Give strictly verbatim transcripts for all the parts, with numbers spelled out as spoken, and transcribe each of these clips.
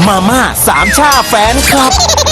มาม่าสามชาแฟนคลับ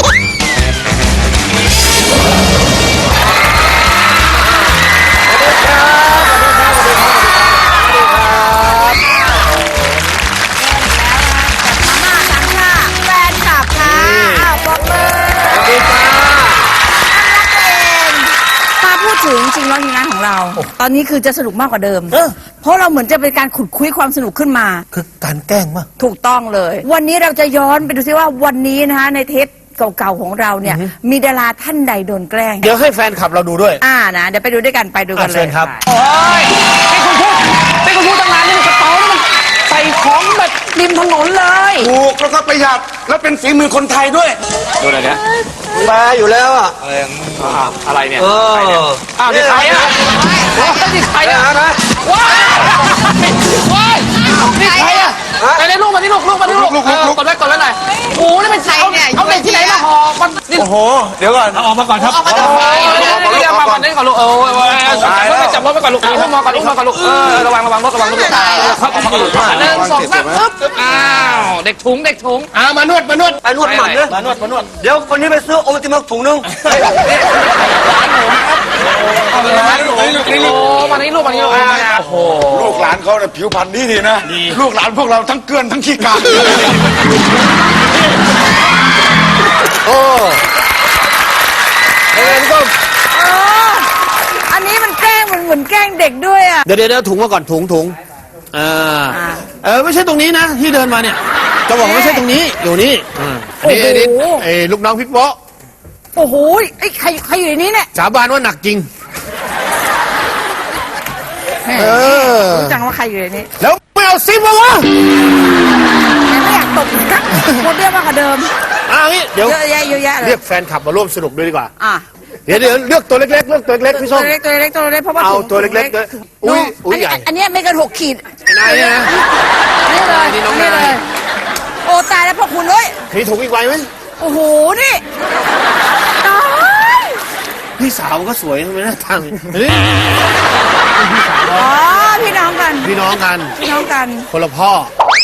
ถึงจริงๆแล้วทีมงานของเราตอนนี้คือจะสนุกมากกว่าเดิมเพราะเราเหมือนจะเป็นการขุดคุยความสนุกขึ้นมาคือการแกล้งมากถูกต้องเลยวันนี้เราจะย้อนไปดูซิว่าวันนี้นะคะในเทปเก่าๆของเราเนี่ยมีดาราท่านใดโดนแกล้งเดี๋ยวให้แฟนคลับเราดูด้วยอ่านะเดี๋ยวไปดูด้วยกันไปดูกันเลยครับโอ้ยนี่คุณพูดนี่คุณพูดตั้งนานนี่มันกระเป๋านี่มันใส่ของแบบริมถนนเลยถูกแล้วก็ประหยัดแล้วเป็นฝีมือคนไทยด้วยดูอะไรเนี่ยมาอยู่แล้วอ่ะอะไรเนี่ยเอออ้าวนี่ใครอ่ะนี่ใครอ่ะว้ายว้ายนี่ใครอ่ะไหนลูกมาที่ลูกลูกมาที่ลูกกดไว้กดไว้หน่อยโอ้นี่เป็นใครเนี่ยเอาเด็กที่ไหนมาห่อมันโอ้โหเดี๋ยวก่อนออกมาก่อนครับออกมาก่อนเรียกมาก่อนนี่ก่อนลูกเออจับรถไปก่อนลูกอุ้มมาก่อนอุ้มมาก่อนลูกเออระวังระวังรถระวังรถตายครับหนึ่งสองสามปึ๊บอ้าวเด็กถุงเด็กถุงอ่ามานวดมานวดไปนวดหมันเลยมานวดมานวดเดี๋ยวคนนี้ไปซื้อโอติมักถุงนึงร้านหนูนะครับร้านหนูโอ้มานี่ลูกมานี่ลูกโอ้โหลูกหลานเขาเนี่ยผิวพรรณดีดีนะลูกหลานพวกเราทั้งเกลือนทั้งขี้กากโอ้เอ็นก็อันนี้มันแกล้งมันเหมือนแกล้งเด็กด้วยอ่ะเดี๋ยวเดี๋ยวถุงมาก่อนถุงถุงอ่าเออไม่ใช่ตรงนี้นะที่เดินมาเนี่ยจะบอกไม่ใช่ตรงนี้อยู่นี่อันนี้อันนี้ไอ้ลูกน้องพิกโป๊ะโอ้โหไอ้ใครใครอยู่ในนี้เนี่ยสาบานว่าหนักจริงเออรู้จังว่าใครอยู่ในนี้แล้วไม่เอาซิปมาวะไม่อยากตกกักโคตรเรียกมากกว่าเดิมอ่ะงี้เดี๋ยวเยอะแยะเยอะแยะเลยเรียกแฟนคลับมาร่วมสนุกด้วยดีกว่าอ่ะเดี๋ยวเดี๋ยวเลือกตัวเล็กๆเลือกตัวเล็กพี่ส้มตัวเล็กตัวเล็กตัวเล็กเพราะว่าเอาตัวเล็กๆเลยอุ้ยอุ้ยใหญ่อันนี้ไม่เกินหกขีดนายนะนี่เลยนี่น้องนายโอ้ตายแล้วพ่อคุณเลยมีถุงอีกใบไหมโอ้โหนี่ตายพี่สาวก็สวยทำไมหน้าทางนี่พี่สาวอ๋อพี่น้องกันพี่น้องกันพี่น้องกันคนละพ่อ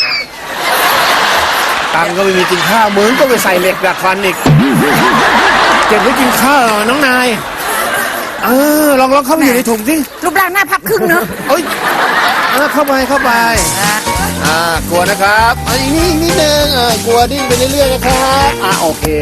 ตังก็ไม่มีกินข้าวเหมือนก็ไปใส่เหล็กดัดฟันอีกเก็บไว้กินข้าวน้องนายเออลองลองเข้าไปอยู่ในถุงสิรูปร่างหน้าพับครึ่งเนอะเอ้ยเข้าไปเข้าไปอ่ากลัวนะครับอันนี้นิดนึงเออกลัวดิ้นไปเรื่อยๆนะครับอ่าโอเค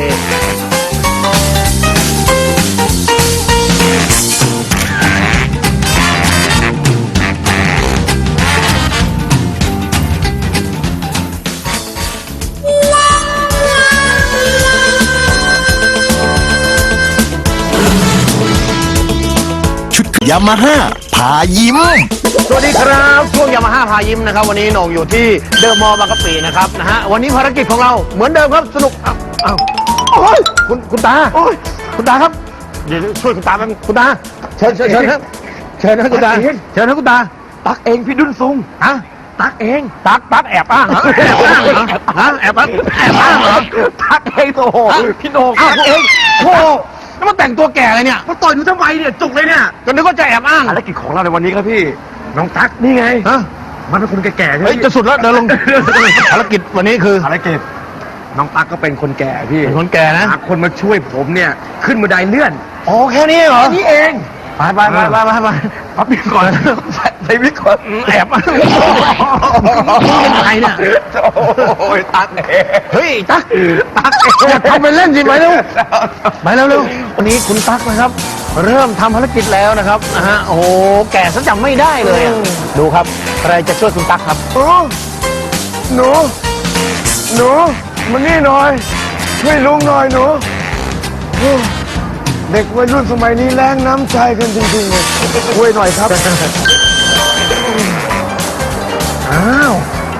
ยามาฮ่าพายิ้มสวัสดีครับช่วงยามาฮ่าพายิ้มนะครับวันนี้โหน่งอยู่ที่เดอะมอลล์บางกะปินะครับนะฮะวันนี้ภารกิจของเราเหมือนเดิมครับสนุกอ้าวอ้าวโอ้ยคุณคุณตาโอ้ยคุณตาครับเดี๋ยวช่วยคุณตาแป๊บคุณตาเชิญเชิญเชิญครับเชิญนะคุณตาเชิญนะคุณตาตักเองพี่ดุนซุงฮะตักเองตักตักแอบอ้างเหรอแอบอ้างเหรอฮะแอบอ้างแอบอ้างเหรอตักเองโธ่พี่โหน่งตักเองโธ่แล้วมาแต่งตัวแก่เลยเนี่ยมาต่อยหนูทำไมเนี่ยจุกเลยเนี่ยก็นึกว่าจะแอบอ้างภารกิจของเราในวันนี้ครับพี่น้องตั๊กนี่ไงฮะมันเป็นคนแก่ๆใช่ไหมจะสุดแล้วเดินลงภารกิจวันนี้คือภารกิจน้องตั๊กก็เป็นคนแก่พี่เป็นคนแก่นะหาคนมาช่วยผมเนี่ยขึ้นบันไดเลื่อนอ๋อแค่นี้เหรอแค่นี้เองไปไปไปไปไปไปพับบินก่อนใส่วิกก่อนแอบมาเป็นใครเนี่ยโอ้ยตั๊กเองเฮ้ยตั๊กตั๊กอย่าทำเป็นเล่นสิไปเร็วไปเร็วเร็ววันนี้คุณตั๊กนะครับเริ่มทำภารกิจแล้วนะครับนะฮะโอ้โหแก่ซะจำไม่ได้เลยดูครับใครจะช่วยคุณตั๊กครับโอ้หนูหนูมานี่หน่อยช่วยลุงหน่อยหนูเด็กวัยรุ่นสมัยนี้แรงน้ำใจกันจริงๆเลยช่วยหน่อยครับอ้าว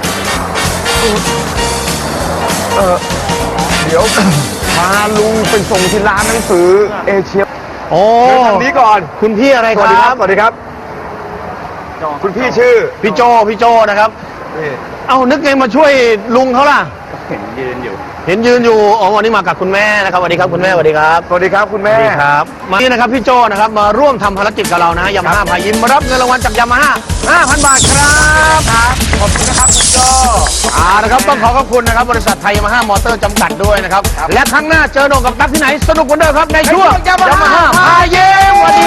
เออเดี๋ยวพาลุงไปส่งที่ร้านหนังสือเอเชียโอ้ทางนี้ก่อนคุณพี่อะไรครับสวัสดีครับสวัสดีครับคุณพี่ชื่อพี่โจพี่โจนะครับเอ้านึกไงมาช่วยลุงเขาล่ะเห็นยืนอยู่เห็นยืนอยู่อ๋อวันนี้มากับคุณแม่นะครับสวัสดีครับคุณแม่สวัสดีครับสวัสดีครับคุณสแม่วัสดีครับมานี่นะครับพี่โจนะครับมาร่วมทำภารกิจกับเรานะยามาฮ่าพายิ้มมารับเงินรางวัลจากยามาฮ่าห้าพันบาทครับครับขอบคุณนะครับคุณโจอ่านะครับต้องขอขอบคุณนะครับบริษัทไทยยามาฮ่ามอเตอร์จำกัดด้วยนะครับและครั้งหน้าเจอโหน่งกับตั๊กที่ไหนสนุกเหมือนเดิมครับในช่วงยามาฮ่าพายิ้ม